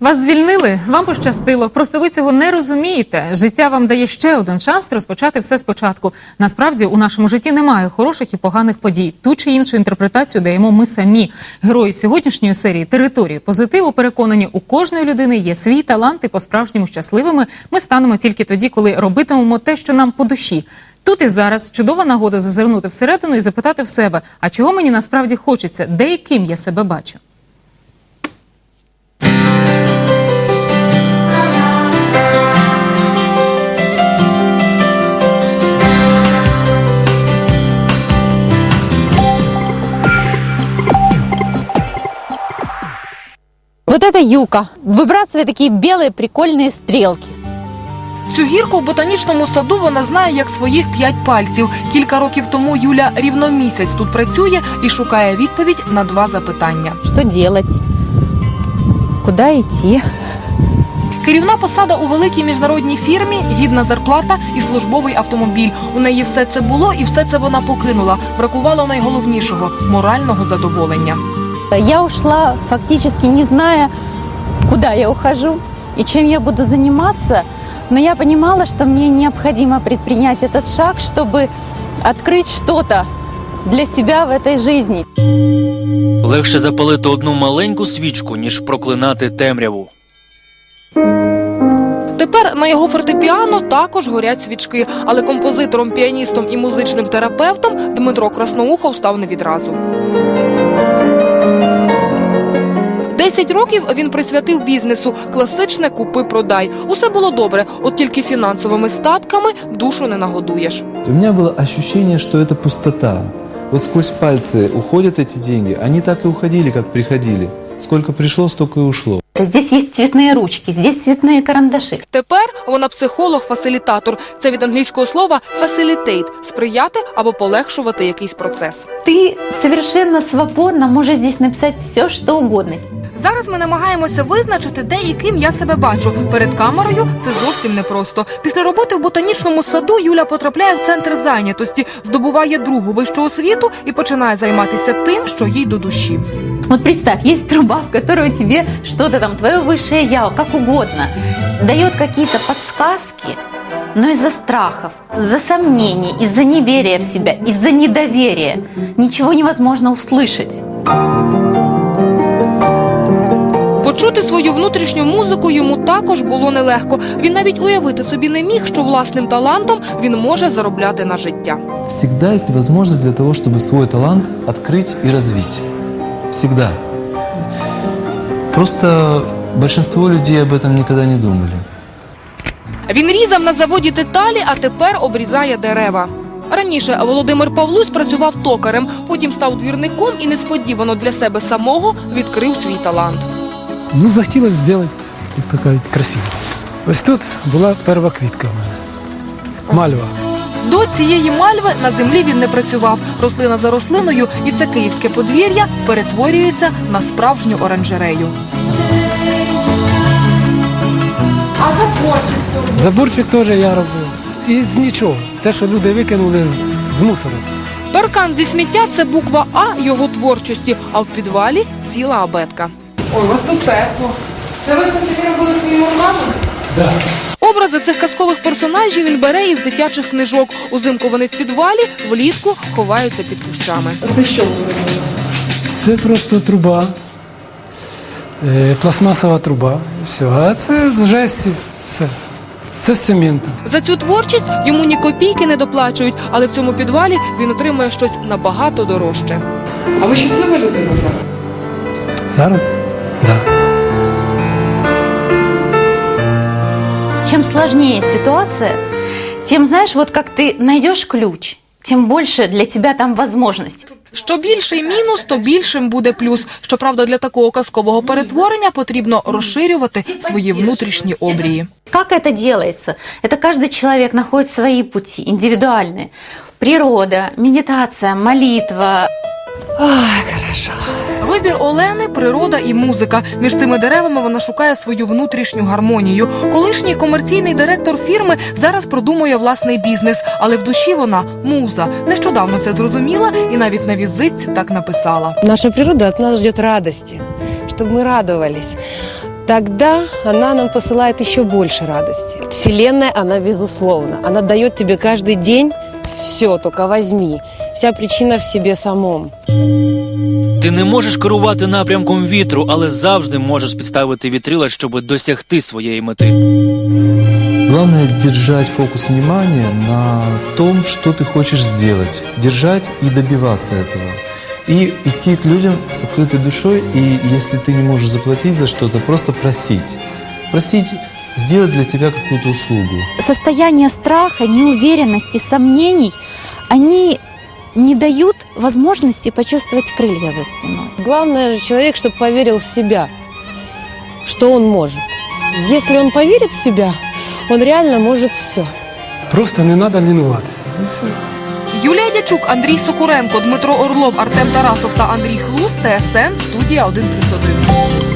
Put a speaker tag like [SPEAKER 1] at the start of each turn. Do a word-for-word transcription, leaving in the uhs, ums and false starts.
[SPEAKER 1] Вас звільнили? Вам пощастило. Просто ви цього не розумієте. Життя вам дає ще один шанс розпочати все спочатку. Насправді, у нашому житті немає хороших і поганих подій. Ту чи іншу інтерпретацію даємо ми самі. Герої сьогоднішньої серії «Території позитиву» переконані, у кожної людини є свій талант, і по-справжньому щасливими ми станемо тільки тоді, коли робитимемо те, що нам по душі. Тут і зараз чудова нагода зазирнути всередину і запитати в себе, а чого мені насправді хочеться, де і ким я себе бачу.
[SPEAKER 2] Вот это юка. Выбрасывает такие белые прикольные стрелки.
[SPEAKER 3] Цю гірку в ботанічному саду вона знає як своїх п'ять пальців. Кілька років тому Юля рівно місяць тут працює і шукає відповідь на два запитання.
[SPEAKER 2] Що делать? Куда йти?
[SPEAKER 3] Керівна посада у великій міжнародній фірмі, гідна зарплата і службовий автомобіль. У неї все це було і все це вона покинула. Бракувало найголовнішого – морального задоволення.
[SPEAKER 2] Я ушла, фактически не зная, куда я ухожу и чем я буду заниматься, но я понимала, что мне необходимо предпринять этот шаг, чтобы открыть что-то для себя в этой жизни.
[SPEAKER 4] Легше запалити одну маленьку свічку, ніж проклинати темряву.
[SPEAKER 3] Тепер на його фортепіано також горять свічки, але композитором, піаністом і музичним терапевтом Дмитро Красноухов став не відразу. Десять років він присвятив бізнесу – класичне «купи-продай». Усе було добре, от тільки фінансовими статками душу не нагодуєш.
[SPEAKER 5] У меня было ощущение, что это пустота. Вот сквозь пальцы уходят эти деньги, они так и уходили, как приходили. Сколько пришло, столько и ушло.
[SPEAKER 2] Здесь есть цветные ручки, здесь цветные карандаши.
[SPEAKER 3] Тепер вона психолог-фасилітатор. Це від англійського слова «facilitate» – сприяти або полегшувати якийсь процес.
[SPEAKER 2] Ты совершенно свободно можешь здесь написать все, что угодно.
[SPEAKER 3] Зараз ми намагаємося визначити, де і ким я себе бачу. Перед камерою це зовсім непросто. Після роботи в ботанічному саду Юля потрапляє в центр зайнятості, здобуває другу вищу освіту і починає займатися тим, що їй до душі.
[SPEAKER 2] Вот представь, есть труба, в которую тебе что-то там, твое высшее я, как угодно, дает какие-то подсказки, но из-за страхов, из-за сомнений, из-за неверия в себя, из-за недоверия ничего невозможно услышать.
[SPEAKER 3] Почути свою внутрішню музику йому також було нелегко. Він навіть уявити собі не міг, що власним талантом він може заробляти на життя.
[SPEAKER 5] Всегда есть возможность для того, чтобы свой талант открыть и развить. Всегда. Просто большинство людей об этом никогда не думали.
[SPEAKER 3] Він різав на заводі деталі, а тепер обрізає дерева. Раніше Володимир Павлусь працював токарем, потім став двірником і несподівано для себе самого відкрив свій талант.
[SPEAKER 6] Ну, захотілося зробити таке красиве. Ось тут була перша квітка в мене. Мальва.
[SPEAKER 3] До цієї мальви на землі він не працював. Рослина за рослиною, і це київське подвір'я перетворюється на справжню оранжерею. А заборчик?
[SPEAKER 6] Заборчик теж я робив. І з нічого. Те, що люди викинули з, з мусору.
[SPEAKER 3] Паркан зі сміття – це буква А його творчості, а в підвалі – ціла абетка. Ой, у вас тут тепло. Це ви все собі робили своїми руками?
[SPEAKER 6] Так.
[SPEAKER 3] Образи цих казкових персонажів він бере із дитячих книжок. Узимку вони в підвалі, влітку ховаються під кущами. Це що ви робили?
[SPEAKER 6] Це просто труба. Е, пластмасова труба. Все. А це з жесті. Все. Це з цементу.
[SPEAKER 3] За цю творчість йому ні копійки не доплачують, але в цьому підвалі він отримує щось набагато дорожче. А ви щаслива людина зараз?
[SPEAKER 6] Зараз? Так. Да.
[SPEAKER 2] Чем сложнее ситуация, тем, знаешь, вот как ты найдешь ключ, тем больше для тебя там возможностей.
[SPEAKER 3] Що більший мінус, то більшим буде плюс. Щоправда, для такого казкового перетворення потрібно розширювати свої внутрішні обрії.
[SPEAKER 2] Как это делается? Это каждый человек находит свои пути, индивидуальные. Природа, медитация, молитва.
[SPEAKER 3] Ах, хорошо. Вибір Олени – природа і музика. Між цими деревами вона шукає свою внутрішню гармонію. Колишній комерційний директор фірми зараз продумує власний бізнес, але в душі вона – муза. Нещодавно це зрозуміла і навіть на візитці так написала.
[SPEAKER 7] Наша природа от нас ждет радости, чтобы мы радовались. тогда она нам посылает еще больше радости. Вселенная, она безусловно, она дает тебе каждый день все, только возьми. Вся причина в себе самом.
[SPEAKER 4] Ти не можеш керувати напрямком вітру, але завжди можеш підставити вітрила, щоб досягти своєї мети.
[SPEAKER 5] Главное держать фокус внимания на том, что ты хочешь сделать. Держать и добиваться этого. И идти к людям с открытой душой, и если ты не можешь заплатить за что-то, просто просить. Просить сделать для тебя какую-то услугу.
[SPEAKER 8] Состояние страха, неуверенности, сомнений, они не дают возможности почувствовать крылья за спиной.
[SPEAKER 7] Главное же человек, чтобы поверил в себя, что он может. Если он поверит в себя, он реально может все.
[SPEAKER 6] Просто не треба лінуватися. І все.
[SPEAKER 3] Юлія Дячук, Андрій Сокуренко, Дмитро Орлов, Артем Тарасов та Андрій Хлус, Т С Н, студія один плюс один.